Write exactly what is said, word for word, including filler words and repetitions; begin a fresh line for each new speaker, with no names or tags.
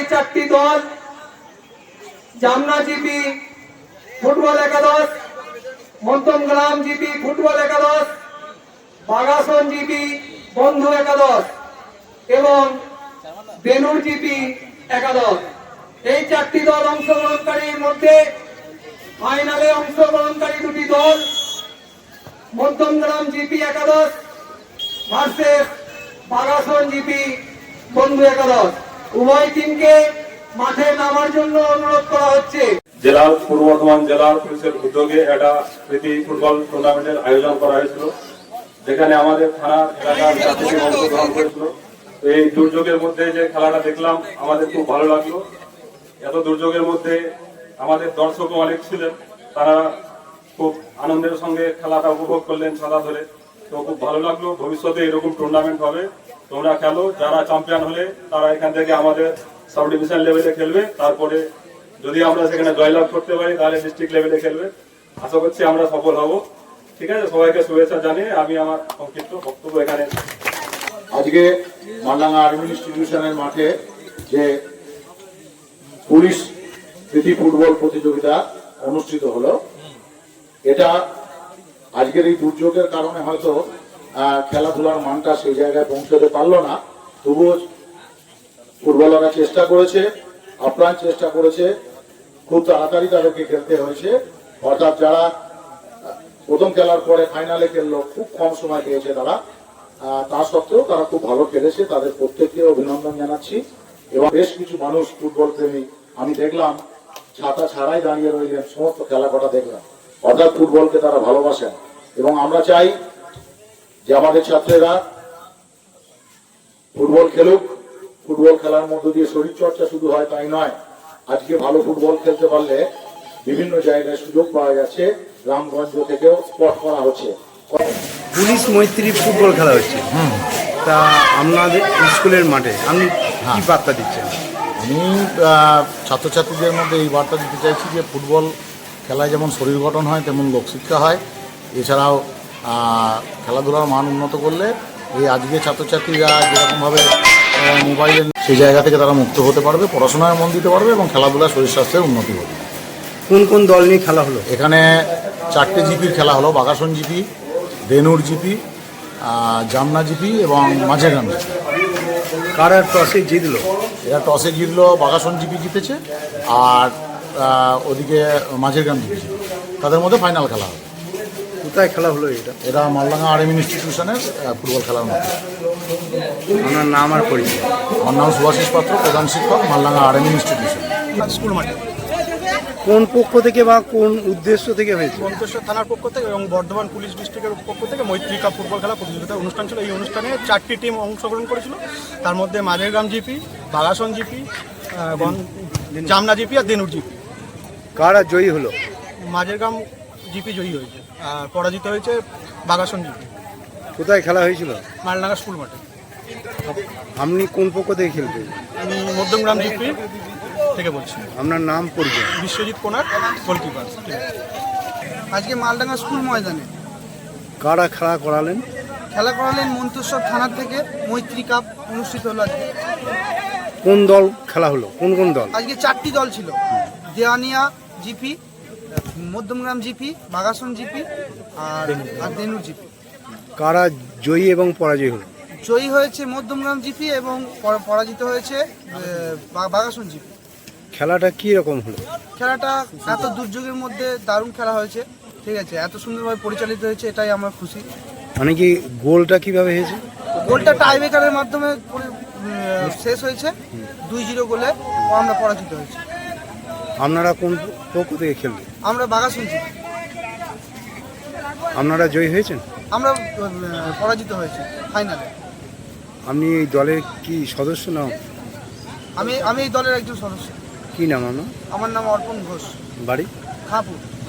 এই চারটি দল জামনা জিপি ফুটবল একাদশ, মধ্যমগ্রাম জিপি ফুটবল একাদশ, বাগাসন জিপি বন্ধু একাদশ এবং বেনুর জিপি একাদশ, এই চারটি দল অংশগ্রহণকারীর মধ্যে ফাইনালে অংশগ্রহণকারী দুটি দল মধ্যমগ্রাম জিপি একাদশ ভার্সেস বাগাসন জিপি বন্ধু একাদশ। উভয় টিমকে মাঠে নামার জন্য অনুরোধ করা হচ্ছে।
জেলার পূর্ব বর্ধমান জেলার পুলিশের উদ্যোগে একটা প্রীতি ফুটবল টুর্নামেন্টের আয়োজন করা হয়েছিল, যেখানে আমাদের থানার এলাকার ছাত্রী অংশগ্রহণ করেছিল। এই দুর্যোগের মধ্যে যে খেলাটা দেখলাম আমাদের খুব ভালো লাগলো। এত দুর্যোগের মধ্যে আমাদের দর্শকও অনেক ছিলেন, তারা খুব আনন্দের সঙ্গে খেলাটা উপভোগ করলেন ছাতা ধরে। তো খুব ভালো লাগলো। ভবিষ্যতে এরকম টুর্নামেন্ট হবে, তোমরা খেলো। যারা চ্যাম্পিয়ন হলে তারা এখান থেকে আমাদের সাব ডিভিশন লেভেলে খেলবে, তারপরে যদি আমরা সেখানে জয়লাভ করতে পারি তাহলে ডিস্ট্রিক্ট লেভেলে খেলবে। আশা করছি আমরা সফল হব। ঠিক আছে, সবাইকে শুভেচ্ছা জানিয়ে আমি আমার সংক্ষিপ্ত বক্তব্য এখানে।
আজকে মালডাঙ্গা আর্মি ইনস্টিটিউশনের মাঠে যে পুলিশ প্রীতি ফুটবল প্রতিযোগিতা অনুষ্ঠিত হলো, এটা আজকের এই দুর্যোগের কারণে হয়তো খেলাধুলার মানটা সেই জায়গায় পৌঁছতে পারলো না। তবুও ফুটবলাররা চেষ্টা করেছে, আপ্রাণ চেষ্টা করেছে, খুব তাড়াতাড়ি তাদেরকে খেলতে হয়েছে। অর্থাৎ যারা প্রথম খেলার পরে ফাইনালে খেললো, খুব কম সময় পেয়েছে তারা, তা সত্ত্বেও তারা খুব ভালো খেলেছে। তাদের প্রত্যেককে অভিনন্দন জানাচ্ছি। এবং বেশ কিছু মানুষ ফুটবল প্রেমী আমি দেখলাম ছাতা ছাড়াই দাঁড়িয়ে রইলেন, সমস্ত খেলা কটা দেখলাম। অর্থাৎ ফুটবলকে তারা ভালোবাসেন। এবং আমরা চাই যে আমাদের ছাত্রেরা ফুটবল খেলুক। ফুটবল খেলার মধ্য দিয়ে শরীর চর্চা শুধু হয় তাই নয়, আজকে ভালো ফুটবল খেলতে পারলে বিভিন্ন জায়গায় সুযোগ পাওয়া যাচ্ছে, গ্রামগঞ্জ থেকেও স্পট করা হচ্ছে।
পুলিশ মৈত্রী ফুটবল খেলা হচ্ছে, তা আপনাদের স্কুলের মাঠে আপনি কি বার্তা দিচ্ছেন?
আমি ছাত্রছাত্রীদের মধ্যে এই বার্তা দিতে চাইছি যে ফুটবল খেলায় যেমন শরীর গঠন হয় তেমন লোকশিক্ষা হয়। এছাড়াও খেলাধুলার মান উন্নত করলে এই আজকে ছাত্রছাত্রীরা যেরকমভাবে মোবাইলের সেই জায়গা থেকে তারা মুক্ত হতে পারবে, পড়াশোনায় মন দিতে পারবে এবং খেলাধুলা শরীর স্বাস্থ্যের উন্নতি হবে।
কোন কোন দল নিয়ে খেলা হলো?
এখানে চারটে জিপির খেলা হলো, Bagasan GP, Benur GP, Jamna GP এবং মাঝেগ্রাম জিপি।
কারা টসে জিতলো?
এরা টসে জিতলো, বাগাসন জিপি জিতেছে আর ওদিকে মাঝেগ্রাম জিপি জিতে। তাদের মধ্যে ফাইনাল খেলা হবে।
কোথায় খেলা হলো এটা?
এরা মালডাঙ্গা আর্মি ইনস্টিটিউশনের ফুটবল খেলার মধ্যে।
আমার নাম আর পরিচয়?
আমার নাম সুভাষিস পাত্র, প্রধান শিক্ষক, মালডাঙ্গা আর্মি ইনস্টিটিউশন
স্কুল মাঠে।
কোন পক্ষ থেকে বা কোন উদ্দেশ্য থেকে হয়েছে?
মন্তেশ্বর থানার পক্ষ থেকে এবং বর্ধমান পুলিশ ডিস্ট্রিক্টের পক্ষ থেকে মৈত্রী কাপ ফুটবল খেলা প্রতিযোগিতা অনুষ্ঠান ছিল। এই অনুষ্ঠানে চারটি টিম অংশগ্রহণ করেছিল, তার মধ্যে Majhergram GP, Bagasan GP, Jamna GP আর দেনুর জিপি।
কারা জয়ী হলো?
মাঝেরগ্রাম জিপি জয়ী হয়েছে আর পরাজিত হয়েছে বাগাসন জিপি।
কোথায় খেলা হয়েছিল?
মালডাঙ্গা স্কুল মাঠে।
আপনি কোন পক্ষ থেকে খেলতেন?
আমি মধ্যমগ্রাম জিপি থেকে বলছি।
আপনার নাম পরিচয়?
বিশ্বজিৎ কোনার, গোলকিপার।
আজকে মালডাঙ্গা স্কুল ময়দানে
কারা খেলা করালেন?
খেলা করালেন মন্তেশ্বর থানার থেকে মৈত্রী কাপ অনুষ্ঠিত হলো আজকে।
কোন দল খেলা হলো? কোন কোন দল?
আজকে চারটি দল ছিল, Dewania GP, Madhyamgram GP, Bagasan GP আর আর দেনুর জিপি।
কারা জয়ী এবং পরাজয় হলো?
জয়ী হয়েছে মধ্যমগ্রাম জিপি এবং পরাজিত হয়েছে বাগাসন জিপি।
খেলাটা কি রকম হলো?
খেলাটা এত দুর্যোগের মধ্যে দারুণ খেলা হয়েছে, ঠিক আছে, এত সুন্দরভাবে পরিচালিত হয়েছে, এটাই আমার খুশি।
মানে কি গোলটা কিভাবে হয়েছে?
গোলটা টাইব্রেকারের মাধ্যমে শেষ হয়েছে, দুই জিরো গোলে আমরা পরাজিত হয়েছি।
আপনারা কোন পক্ষ থেকে খেলবেন?
আমরা বাগাসন জিপি।
আপনারা জয়ী হয়েছেন?
আমরা পরাজিত হয়েছি ফাইনালে।
আপনি এই দলের কি সদস্য না?
আমি আমি এই দলের একজন সদস্য।
কি নাম আপনার?
আমার নাম অর্পণ ঘোষ,
বাড়ি?
খাপুর।